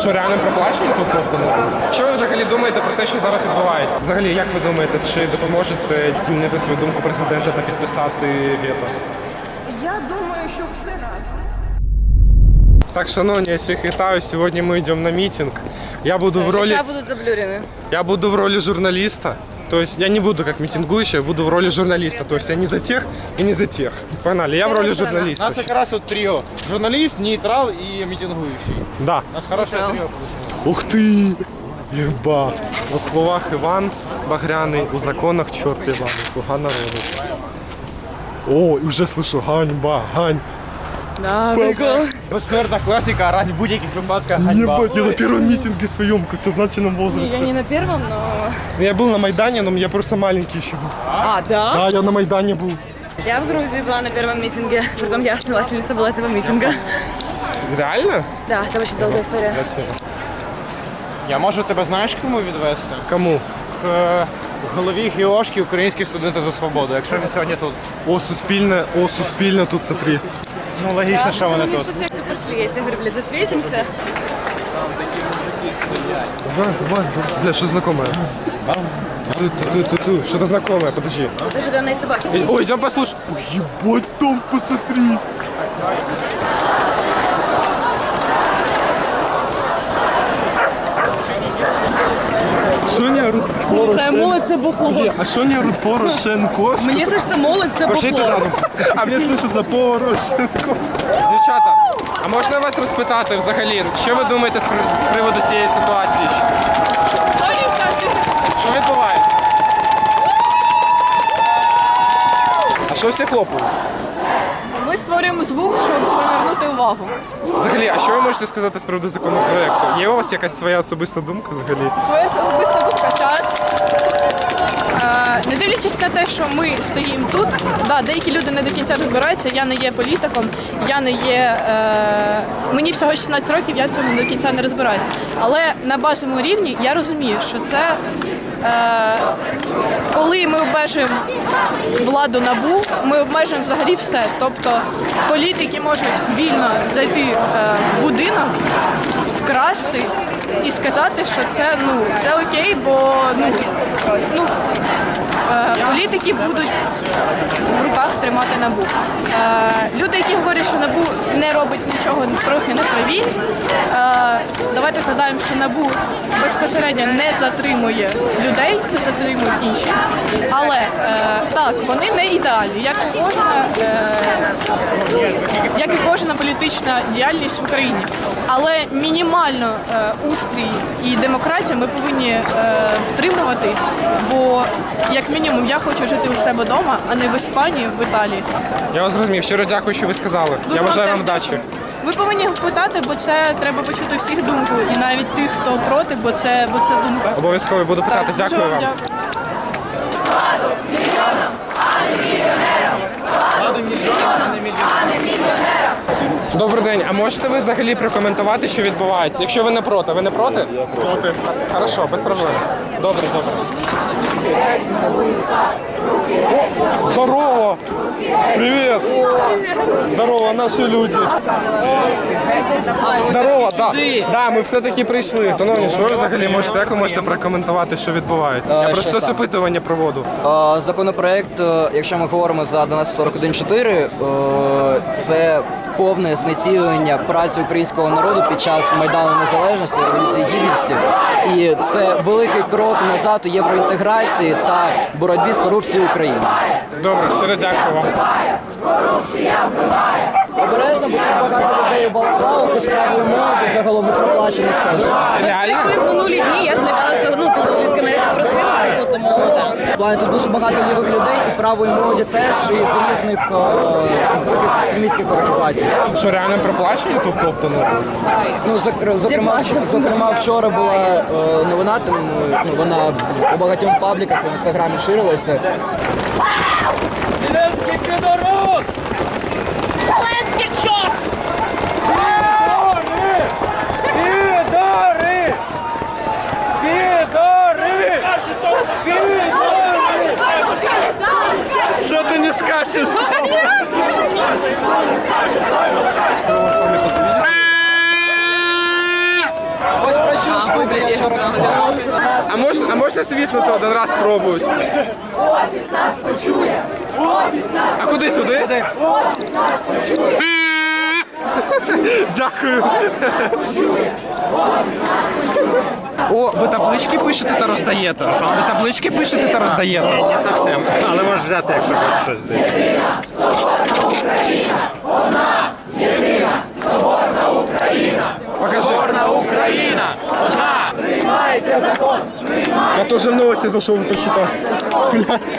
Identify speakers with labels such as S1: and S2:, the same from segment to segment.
S1: Що, реально проплачено тут ковтану? Що ви взагалі думаєте про те, що зараз відбувається? Взагалі, як ви думаєте, чи допоможе це змінити свою думку президента та підписати вето?
S2: Я думаю, що все разом.
S1: Так, шановні, я всіх вітаю. Сьогодні ми йдемо на мітинг. Я буду в роли...
S2: будуть заблюрены.
S1: Я буду в роли журналиста. То есть я не буду как митингующий, я буду в роли журналиста. То есть я не за тех и не за тех. Погнали, я в роли
S3: У
S1: журналиста.
S3: нас как раз вот трио. Журналист, нейтрал и митингующий.
S1: Да.
S3: У нас хорошее трио получилось.
S1: Ух ты! Єба! На словах Іван Багряний, у законах чорт Іван, слуга народу. О, і вже слышу, ганьба, гань.
S2: Да, прикол.
S3: Безсмертна классика, орать в будь-яких випадках ганьба.
S1: Ебать, я на первом митинге своем в сознательном возрасте.
S2: Я не на первом, но...
S1: Я был на Майдане, но я просто маленький еще был.
S2: А, да?
S1: Да, я на Майдане был.
S2: Я в Грузии была на первом митинге. Притом я основательница была этого митинга.
S1: Реально?
S2: Да, это очень долгая история.
S3: Я можу тебе, знаєш, кому відвести?
S1: Кому?
S3: К голові ГІОшки Українські студенти за свободу, якщо він сьогодні тут.
S1: О, Суспільне тут, смотри.
S3: Ну, логічно, що вони
S2: Мне
S3: тут.
S2: что секты пошли, я тебе говорю, блядь, засветимся.
S1: Давай, бля, что знакомое? Что-то знакомое, подожди.
S2: Это же данные собаки.
S1: Ой, идем послушай. Ой, ебать, там посмотри. Що не орут Порошенко?
S2: молодь це бухло.
S1: Подожди, а що не орут Порошенко?
S2: Мені слышится молодь це
S1: Пошли
S2: бухло.
S1: туди. А мені слышиться Порошенко. Дівчата, а можна вас розпитати взагалі, що ви думаєте з приводу цієї ситуації? Що відбувається? А що всі хлопають?
S4: Ми створюємо звук, щоб привернути увагу.
S1: Взагалі, а що ви можете сказати з приводу законопроекту? Є у вас якась своя особиста думка взагалі?
S4: Своя особиста думка зараз. Не дивлячись на те, що ми стоїмо тут, да, деякі люди не до кінця розбираються, я не є політиком, я не є. Мені всього 16 років, я в цьому до кінця не розбираюся. Але на базовому рівні я розумію, що це коли ми обмежуємо владу НАБУ, ми обмежуємо взагалі все. Тобто політики можуть вільно зайти в будинок, вкрасти і сказати, що це окей, бо політики будуть в руках тримати НАБУ. Люди, які говорять, що НАБУ не робить нічого, трохи не праві. Давайте згадаємо, що НАБУ безпосередньо не затримує людей, це затримують інші. Але так, вони не ідеальні, як і кожна політична діяльність в Україні. Але мінімально устрій і демократія ми повинні втримувати, бо як мінімум я хочу жити у себе вдома, а не в Іспанії, в Італії.
S1: Я вас зрозумів. Щиро дякую, що ви сказали. Я бажаю вам вдачі.
S4: Ви повинні питати, бо це треба почути всіх думку, і навіть тих, хто проти, бо це думка.
S1: Обов'язково буду питати.
S4: Так,
S1: Дякую вам.
S4: дякую.
S1: Добрий день. А можете ви взагалі прокоментувати, що відбувається? Якщо ви не проти. Ви не проти? Я проти. Хорошо, без проблем. Добре. О, здорово! Привет! Здорово, наші люди. Здорово, да. Да, ми все-таки прийшли. Шановні, що ви взагалі можете, як ви можете прокоментувати, що відбувається? Я просто це опитування проводу.
S5: Законопроект, якщо ми говоримо за 1141-4, це повне знецілення праці українського народу під час Майдану Незалежності, Революції Гідності. І це великий крок назад у євроінтеграції та боротьбі з корупцією України.
S1: Добре, щиро дякую вам.
S5: Обережно, бо тут багато людей у балаклавах, і справи молоді, загалом і проплачених теж.
S1: Реально?
S2: Пішли в минулі дні, я злякалася, від мене попросили, тому, так.
S5: Тут дуже багато лівих людей, і правої молоді теж, і з різних таких екстремістських організацій.
S1: Що, реально проплачено тут ковтану?
S5: Ну, зокрема, вчора була новина, вона у багатьом пабліках в інстаграмі ширилася.
S3: Зеленський підорос!
S2: Зеленський чорт!
S3: Підори!
S1: Що ти не скачеш?
S2: вигляді.
S1: А можна свіснути один раз спробувати? А куди сюди? Дякую. О, ви таблички пишете та роздаєте? Ви таблички пишете та роздаєте?
S6: Не зовсім, але можеш взяти, якщо хочеш щось зробити.
S1: Покажи.
S3: Україна!
S1: Я тоже в новости зашел почитать. Блять.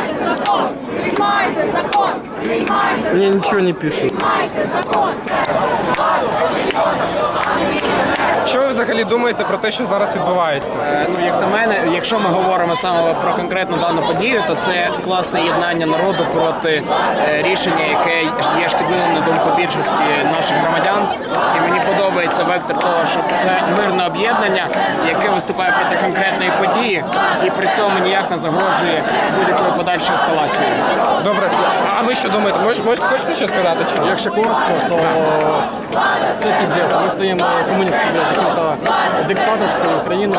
S1: Мне ничего не пишут. Що ви взагалі думаєте про те, що зараз відбувається?
S7: Ну, як на мене, якщо ми говоримо саме про конкретну дану подію, то це класне єднання народу проти рішення, яке є шкідливим на думку більшості наших громадян. І мені подобається вектор того, що це мирне об'єднання, яке виступає проти конкретної події і при цьому ніяк не загрожує будь-якої подальшої ескалації.
S1: Добре, а ви що думаєте? Можете хочете що сказати? Чи ні?
S8: Якщо коротко, то це піздець. Ми стоїмо комуністами яким-то диктаторською Україною.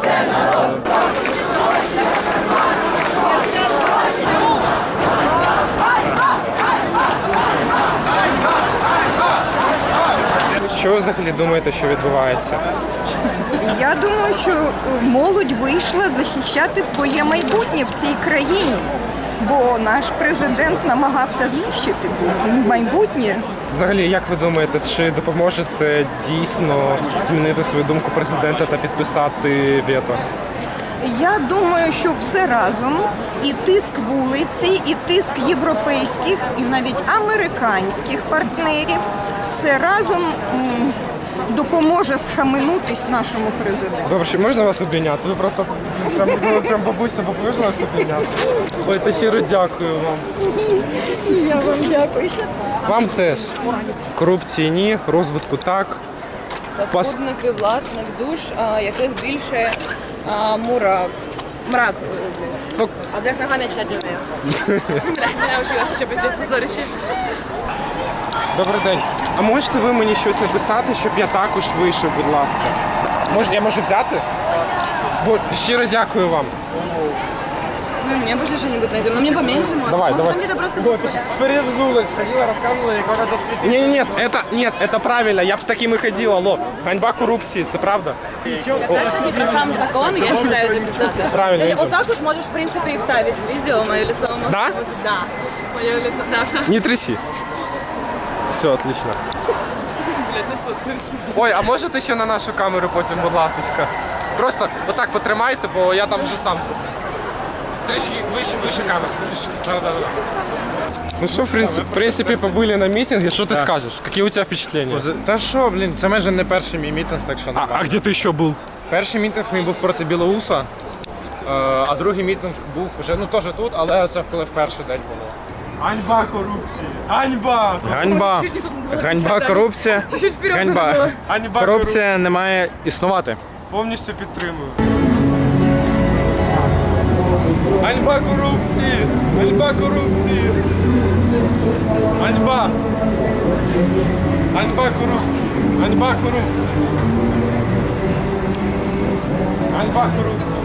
S1: Що ви взагалі думаєте, що відбувається?
S9: Я думаю, що молодь вийшла захищати своє майбутнє в цій країні, бо наш президент намагався знищити майбутнє.
S1: Взагалі, як ви думаєте, чи допоможе це дійсно змінити свою думку президента та підписати вето?
S9: Я думаю, що все разом, і тиск вулиці, і тиск європейських, і навіть американських партнерів, все разом допоможе схаменутись нашому президенту.
S1: Добре, чи можна вас обійняти? Ви просто прям бабуся можна вас обійняти? Ой, та щиро дякую вам.
S9: Я вам дякую.
S1: Вам теж. Корупції ні, розвитку так.
S2: Паскудники власних душ, яких більше мрак.
S1: Ну,
S2: А для нога не читать людей. Я навчилася ще без позорищі.
S1: Добрий день. А можете ви мені щось написати, щоб я також вийшов, будь ласка? Я можу взяти? Бо щиро дякую вам.
S2: Ну, мне больше что-нибудь найдем. Но мне поменьше можно.
S1: Давай,
S2: Может,
S1: давай.
S2: мне это просто...
S1: Перевзулась, ходила, розказувала, яка до світу. Ні, це правильно, я б з таким і ходила, алло. Ганьба корупції, це правда?
S2: Это сам закон, я считаю, это бесплатно.
S1: Правильно,
S2: Вот так вот можешь, в принципе, и вставить видео, мое лицо.
S1: Да?
S2: Да. Мое лицо, да, все.
S1: Не тряси. Все, отлично. Ой, а можете ще на нашу камеру потім, будь ласочка? Просто отак потримайте, бо я там вже сам зроблю. Трішки вище камеру. Да. Ну що, в принципі, побили на мітингі, що ти скажеш? Які у тебе впечатлення?
S3: Та що, блін, це майже не перший мій мітинг, так що не
S1: А де ти ще був?
S3: Перший мітинг мій був проти Білоуса, а другий мітинг був вже, ну теж тут, але це коли в перший день було.
S1: Ганьба корупції! Ганьба!
S3: Ганьба, корупція. Ганьба.
S1: Ганьба
S3: Корупція не має існувати.
S1: Повністю підтримую. Ганьба корупції! Ганьба корупції! Ганьба! Ганьба корупції! Ганьба корупції! Ганьба корупції!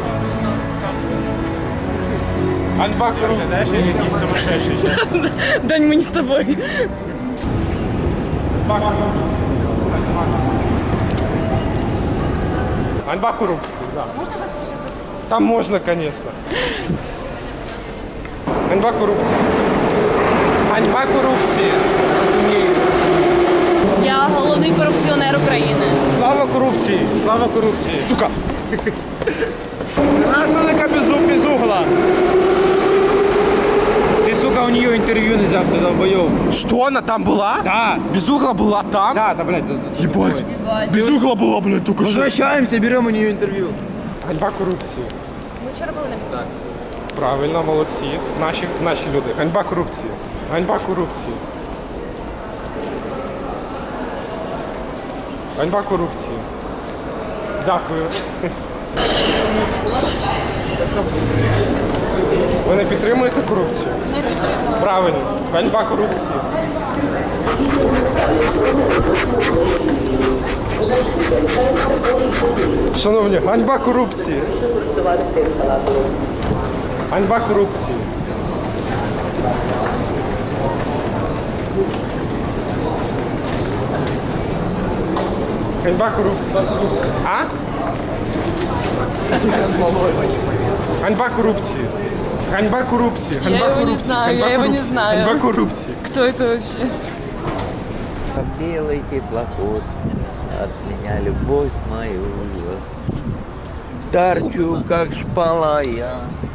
S1: Ганьба корупції! Якийсь сумасшедший.
S2: Дань, мы не с тобой.
S1: Ганьба корупції, да. Там можна, звісно. Ганьба корупції. Ганьба корупції. Розумію.
S2: Я головний корупціонер України.
S3: Слава корупції! Слава корупції!
S1: Сука!
S3: Гражданка без угла! Ты, сука, у нее интервью не взял, ты долбоёб.
S1: Что, она там была?
S3: Да!
S1: Без угла была там?
S3: Да, блядь.
S1: Ебать. Без угла была, блядь, только что.
S3: Возвращаемся, берем у нее интервью.
S1: Ганьба корупції.
S2: Ми вчора були на мітингу.
S1: Правильно, молодці. Наші люди. Ганьба корупції. Ганьба корупції. Ганьба корупції. Дякую. Ви не підтримуєте корупцію?
S2: Не підтримую.
S1: Правильно. Ганьба корупції. Шановні, ганьба корупції. Ганьба корупції. Ганьба корупції. А? Ганьба корупції. Ганьба корупції. Ганьба
S2: его не
S1: корупції.
S2: знаю,
S1: Ганьба
S2: я его не
S1: корупції.
S2: знаю.
S1: Ганьба корупції.
S2: Кто это вообще?
S10: Белый теплоход, от меня любовь мою. Торчу, как шпала я,